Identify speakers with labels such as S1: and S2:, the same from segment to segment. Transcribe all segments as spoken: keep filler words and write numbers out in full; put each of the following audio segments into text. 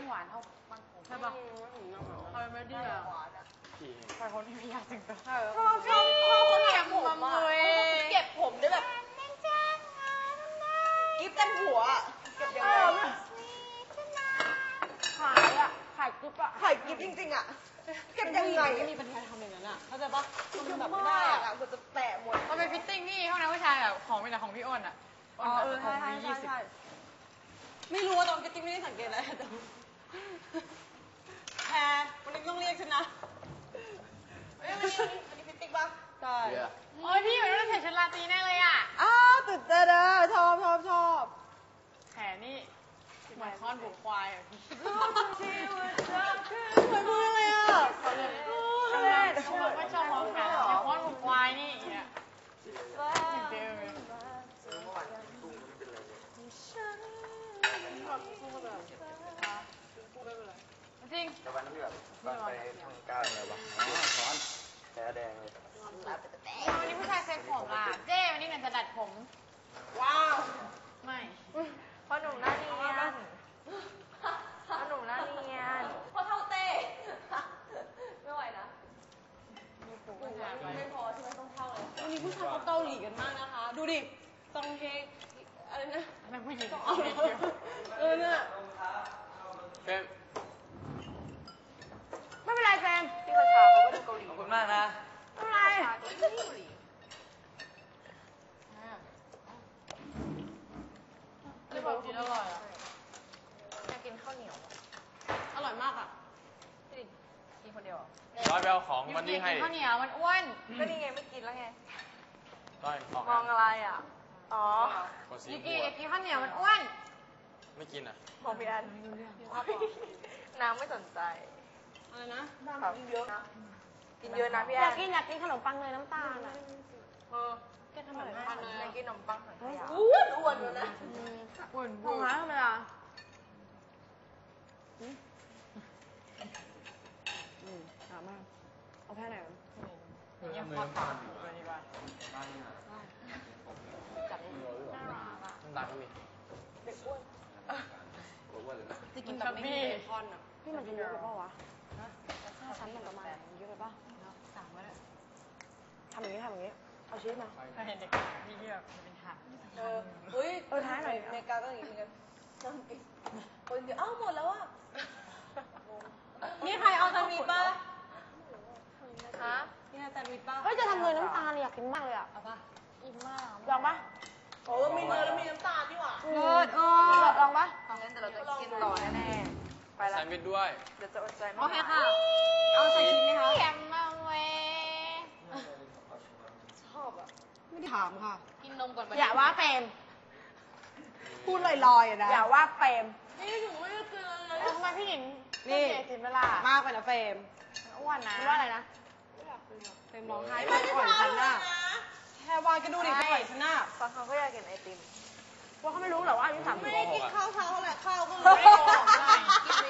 S1: หวานเท่าบางผม
S2: ใช่ปะใครไม่ดีอ่ะใครคนที่ไม่อยากถึงตัวชอบชอบชอบคนเก็บผมเลย
S3: เก็บผมได้แบบกิ๊บเต็มหัวเก็บยังไง
S2: ขายอ่ะขายกิ๊บอ่ะ
S3: ขายกิ๊บจริงๆอ่ะเก็บยังไง
S2: ไม่มีปัญญาทำอย่างนั้นอ่ะเข้าใจปะมันแบบไม่ได้อ่ะ
S3: กูจะแตะหมด
S1: มันเป็นฟิตติ้งนี่ห้องน้ำผู้ชายแบบของเป็นแต่ของพี่อ้นอ่ะ
S2: อ๋อเออใช่ใช่ใช่ไม่รู้ว่าตอนกิ๊บไม่ได้สังเกตอะไรแต่แพรวันนี้ต้องเรียกฉันนะ
S3: เอ้ยวันนี้วันนี้วันนี้ฟิตติ้งป่ะ
S2: ใช่
S1: โอ้ยพี่อยู่ต้องใส่ชุดราตรีแน่เลยอ่ะ
S2: อ้าวตื่นเต้นอ่ะชอบชอบชอบ
S1: แขนนี่เหมือนค้อนบุกควายอ่ะพี่
S2: เหมือนพูดอะไรอ่ะ
S1: เขาเลยเขาไม่ชอบของแขนค้อนบุกควายนี่อย่างเงี้ยจริงจริงเลยจริง
S4: แต่วันที่แบบวันไปท่องก้าวอะไรวะอ๋อช้อนแผลแดงเลย
S1: วันนี้ผู้ชายเซ็ตผมล่ะเจ้วันนี้หนันจะดัดผม
S3: ว้าว
S1: ไม่
S3: พ่อหนุ่มหน้าเนียนพ่อหนุ่มหน้าเนียนพ่อเท่าเต้ไม่ไหวนะไม่พอใช่ไหมต้องเท่าเลย
S2: วันนี้ผู้ชายเขาเกาหลีกันมากนะคะดูดิตองเฮงอะไรนะ
S1: นักผู้หญิง
S2: เออเนี่ย
S4: เฟม
S1: ไม่เป็นไรแฟน
S3: พี่กระชาเขาก็ดูเกาหลี
S4: ขอบคุณมากนะ
S1: ไม่เป็นไรไม่บอกกินอร่อยอ่ะ
S3: อยากกินข้าวเหนียว
S2: อร่อยมากอ่ะ
S3: พี่กินคนเดียว
S4: ร้อยไปเอาของมันนี่ให้
S1: ข้าวเหนียวมันอ้วน
S3: ก็นี่ไงไม่กินแล้วไง
S4: ร้อย
S3: มองอะไรอ่ะอ๋อ
S1: ยูกิกินข้าวเหนียวมันอ้วน
S4: ไม่กินอ่ะ
S3: มองพี่อันน้ำไม่สนใจ
S2: อะไรนะ
S3: กินเยอะนะกินเยอะนะพี่แอน
S2: อยากกินอยากกินขนมปังเลยน้ำตาลอ่ะ
S3: เออ
S2: แกทำอะไรทานเลย
S3: อยากกินขนมปังอ้วนอ้วนเลยนะ
S1: อ้วน
S2: ของร้านทำไมล่ะอืมถามมากเอาแค่ไหน
S1: ยังพอตามอยู่เลยดีกว่า
S4: จับน้ำตาลก็มี
S3: เด็กอ้วน
S4: อ้วนเลยนะ
S2: จะกินแบบไม่มีเบคอนอ่ะพี่มันจะเยอะไปป่าวะถ้าชั้นมันประมาณเยอะไปป่ะ
S1: สามก็ได้
S2: ทำอย่างนี้ทำอย่างนี้เอาชีสมา
S1: ถ้าเห็นเด็กพี่ที่แบบเป็นถาด
S3: เอออุ้ย
S2: เออท้ายหน่อย
S3: เมกาก็อย่างนี้เหมือนกันนั่งกินคนเดียวอ้าวหมดแล้วอ่ะ
S2: นี่ใครเอาแซนด์วิชป่ะ
S3: ฮะ
S2: นี่แซนด์วิชป่ะเฮ้ยจะทำเลยน้ำตาลอยากกินมากเลยอ่ะ
S1: เอาป่ะอิ่มมาก
S2: ลองป่ะ
S3: โอ้มีเนยแล้วมีน้ำตาลนี่หว่า
S2: เออเออลองป่ะ
S3: งั้นแต่เราจะกินต่อแน่ๆไปแล้ว
S4: แซนด์วิชด้วย
S3: เดี๋ยวจะอดใจไม่
S2: โอเคค่ะเอาใส่ชิ้นไหมคะ
S1: แข็งมากเว้ย
S3: ชอบอ่ะ
S2: ไม่ได้ถามค่ะ
S1: กินนมก่อน
S2: อย่าว่าเฟรมพูดลอยๆนะอย่าว่าเฟรม
S3: นี่หนูไม่ได้กินอะไรเลย
S1: ทำไมพี่หญิง
S2: นี่
S1: กินเวลาม
S2: ากไปนะเฟรม
S1: อ้วนนะ
S2: ว่าอะไรนะเฟรมร้องไห้ไม่อ่อนฉันน่ะแค่วายก็ดูดิไม่ไหวฉันน่ะ
S3: บางครั้งก็อยากกินไอติม
S2: ว่าเขาไม่รู้หรอว่าอายุสามสิบ
S3: ไม่ได้กินข้าวเช้าแหละข้าวก็เลยไม่ออกเลยกิน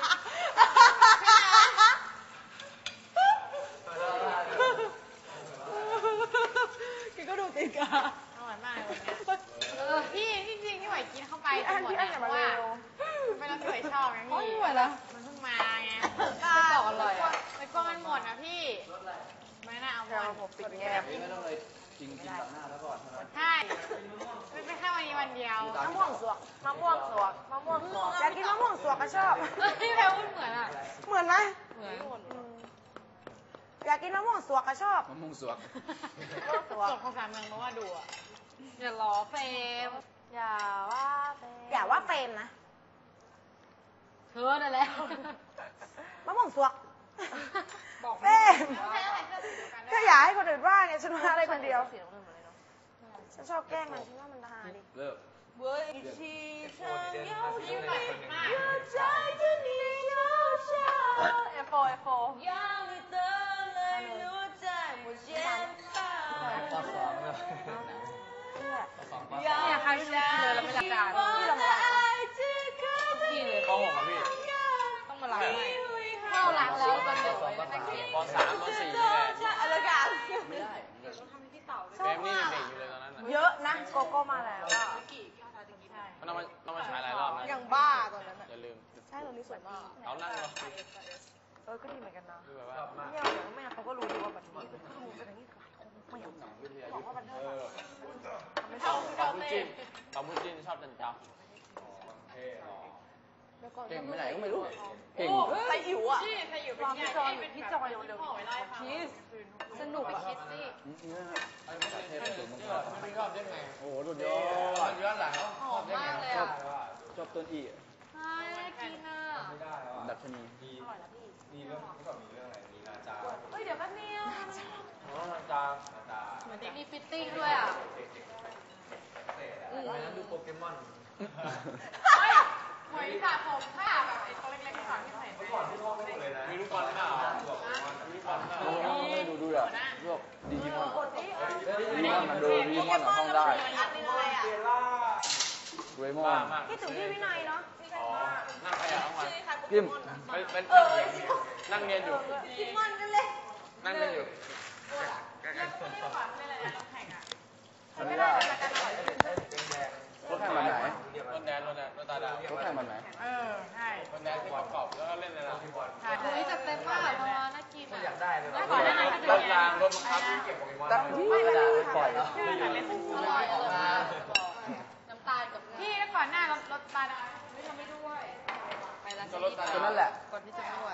S2: กินก็ดูติดกะ
S1: อร่อยมากเลยเออพี่จริงๆที่ไหวกินเข้าไปจะหมดนะเพราะว่าไม่ต้องสวยชอบไงพี่
S2: ไม่ไหวแล้ว
S1: มันเพิ่งมาไง
S3: ก็อร่อยอ่ะ
S1: ไปกลัวมันหมดนะพี่ไม่น่าเอาหมด
S3: ผมปิดแง้ม
S4: ไม่ต้องเลยจริงกินต่อหน้าแล้วก่อน
S1: ใช่ไม่เป็นแค่วันนี้วันเดียว
S2: มะม่วงสวก
S3: มะม่วงสวกมะม่วงสวก
S2: อยากกินมะม่วงสวกก็ชอบ
S1: พี่แพรพูดเหมือนอ่ะ
S2: เหมือนไหม
S1: เหมือน
S2: อยากกินมะม่วงสวกก็ชอบ
S4: มะม่วงสวก
S1: สวกภาษาเมืองเพราะว่าดูอ่ะอย่าล้อเฟม
S3: อย่าว่าเฟม
S2: อย่าว่าเฟมนะ
S1: เธอนั่นแหละ
S2: มะม่วงสวก
S1: บอก
S2: เฟมก็อยากให้คนอื่นว่าไงฉันว่าอะไรคนเดียวฉันชอบแกล้งมันฉันว่ามันฮาดิ
S4: เลิก
S3: เว้ยชีฉันยาว
S1: ยิ่งแบบมาก
S3: ใจจะหนียาวชาเอฟโฟเอฟโฟยาวไม่เติมเลยรู้ใจหมดเย็นตา
S4: ข้อสองเลย
S2: เนี่ยใครที่รู้เลยเราไม่รักกันที่เรามา
S4: พี่เลยข้อหกอ่ะพี่
S2: ต้องมาล้างใหม่
S1: เข้าหลังแล้วกันเดี๋ยว
S4: ปสามปสี่นี่แหละ
S3: อะไรกัน
S4: ไม่ได้เฟมนี่เด็กอยู่เลยตอนนั้น
S2: เยอะนะโกโก้มาแล้ว
S4: มันเอามาเอามาฉายหลายรอบนะ
S3: ยังบ้าตอนนั้น
S4: อย่าลืม
S2: ใช่ตรงนี้สวยมาก
S3: เอานั่งเหรอ
S2: เออก็ดีเหมือนกันนะ
S3: คือแบบว่า
S2: เนี่ยเดี๋ยวแม่เขาก็รู้ดีว่าบัตรนี้เป็นข้อมูลเป็นอย่างนี้หลายคนไม่อยากบอกว่าบัตรเทอร์ทำไม่ชอบ
S3: ปาบูจินปาบูจินชอบจันเจ้า
S4: เก่งไปไหนก็ไม่รู้ เก่ง
S2: ไซอิ๋วอ่ะ
S1: ที่ใครอยู่เป็นพี่จอยพี่จอยเร็วๆคิสสนุกไปคิสสิ
S4: เทพสุดมังกร
S3: ไม่ชอบได้ไง
S4: โอ้โหสุดยอด
S3: ย้อนหลัง
S1: หอมมากเลยอ่ะ
S4: ชอบต้นอี
S1: ใช่กินอ่ะ
S4: ดัชนี
S1: เฮ้ยเดี๋ยวแป๊บนึง
S3: อ๋อจาง
S1: เหมือนมีฟิตติ้งด้วยอ่ะ
S3: ไปนั่งดูโปเกมอน
S1: เฮ้ยหวยสระผมค่ะแบบไอ้ตัวเล็กๆที่สอนที่ใส่ก่อนที่พ่อไม่เลยนะ
S3: มีลูกบอลเปล่ามีลูกบอลเปล่า
S4: โอ้โหไม่ดูดูอ่ะพวกดิจิมอนดิจิมอนมันดูดิจิมอนอ่ะท่องได้
S1: อันนึงอะไรอ่ะ
S4: เวมอ
S3: บ้าน มาก
S2: คิดถึงพี่วินัยเนาะ
S3: อ๋อ นั่งใครอ่ะทั้งวัน
S4: พิม
S3: เป็นเป็นนั่งเรียนอยู่
S2: คิดมันกันเลย
S3: นั่งเรียนอยู่
S1: แล้วคนที่ขวัญเป็นอะไรนะแข่งอ่ะ
S4: อันนี้ว่ารถแข่งแบบไหน
S3: รถแดนรถแดนรถตาดาว
S4: รถแข่งแบบไหน
S1: เออใช่
S3: รถแดนที่ประกอบแล้วก็เล่นในร้าน
S1: ใช่คุยจัดเต็มมากเพราะว่าน่ากินอ่ะ
S3: อยากได้เลย
S1: แล้วก่อนหน้านั้นก็จะ
S3: รถ
S1: มี
S3: รางรถบังคับ
S4: ตั้งไม่ได้ปล่อย
S1: อร่อยอร่อยน้ำตาลกับพี่แล้วก่อนหน้ารถรถตาลไม่ทำไม่ด้วยไปร้าน
S3: ก็รถตา
S4: ตัว
S3: ดาว
S4: นั้นแหละ
S1: ก่อนที่จะไม่ไหว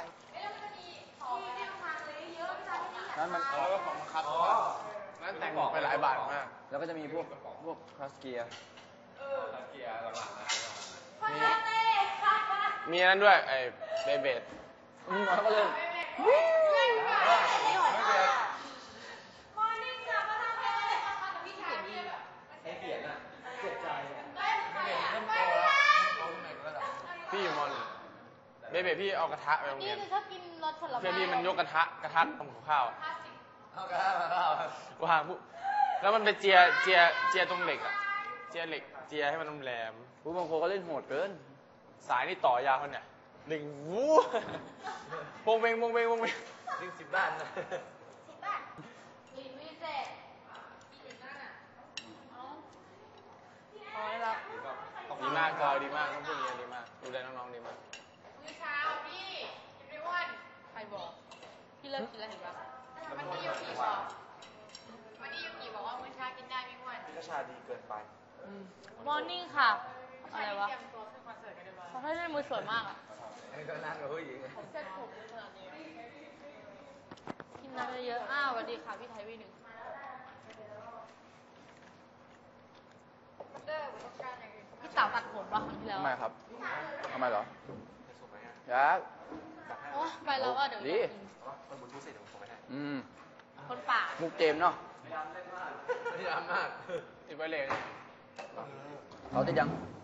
S4: นั้นมัน
S3: แล้วก็ของบังคับนั่นแต่งไปหลายบาทมาก
S4: แล้วก็จะมีพวกพวกคลาสเกียร์
S3: เกียร์หลังๆนะมีอันนั้นด้วยไอ้เบเบด
S4: มีมาก็เล่น
S3: พี่อยู่มอหนึ่งเบเบดพี่เอากระทะไปโรง
S1: นี่
S3: เรียน
S1: จะชอบกินรสผลไม้
S3: เพื่อนพี่มันยกกระทะกระทะทำกับข้าวอะวางปุ๊บแล้วมันไปเจียเจียเจียตรงเหล็กอะเจียเหล็กเจียให้มันแหลม
S4: ผู้บางคนก็เล่นโหดเกิน
S3: สายนี่ต่อยาวเขาเนี่ยหนึ่งวู้วงเวงวงเวงวงเวงดึงสิบด้านนะ
S1: กินวิเศษกินนั่นอ่ะ
S2: อ๋อแล้ว
S3: ดีมากจอยดีมากต้องพูดอย่างนี้ดีมากดูแลน้องๆดีมาก
S1: มื้อเช้าพี่กินไม่อ้วนใครบอกพี่เลิกกินแล้วเห็นปะมันนี่ยูกิบอกมันนี่ยูกิบอกว่ามื้อเช้ากินได้ไม่อ้วน
S4: ก็ชาดีเกินไป
S1: มอร์นิ่งค่ะอะไรวะเตรียมตัวขึ้นคอนเสิร์ตกันเลยเขาให้เล่นมือสวยมากอ่ะ
S4: อันนี้ก็นั่งกับผู้หญิง
S1: เซ็ตผมขนาดนี้กินน้ำเยอะๆอ้าวสวัสดีค่ะพี่ไทยวีหนึ่งพี่เต๋าตัดผมป่ะครั้งที่แล้ว
S4: ทำไมครับทำไมเหรอยักษ์
S1: โอ้ไปแล้วอ่ะเดี๋ยว
S4: ดี
S1: อยากกิน
S4: อืม
S1: คนป่า
S4: มุกเจมส์เนาะ
S3: พยายามมากติดไวเลส
S4: เอาติดยัง
S1: เ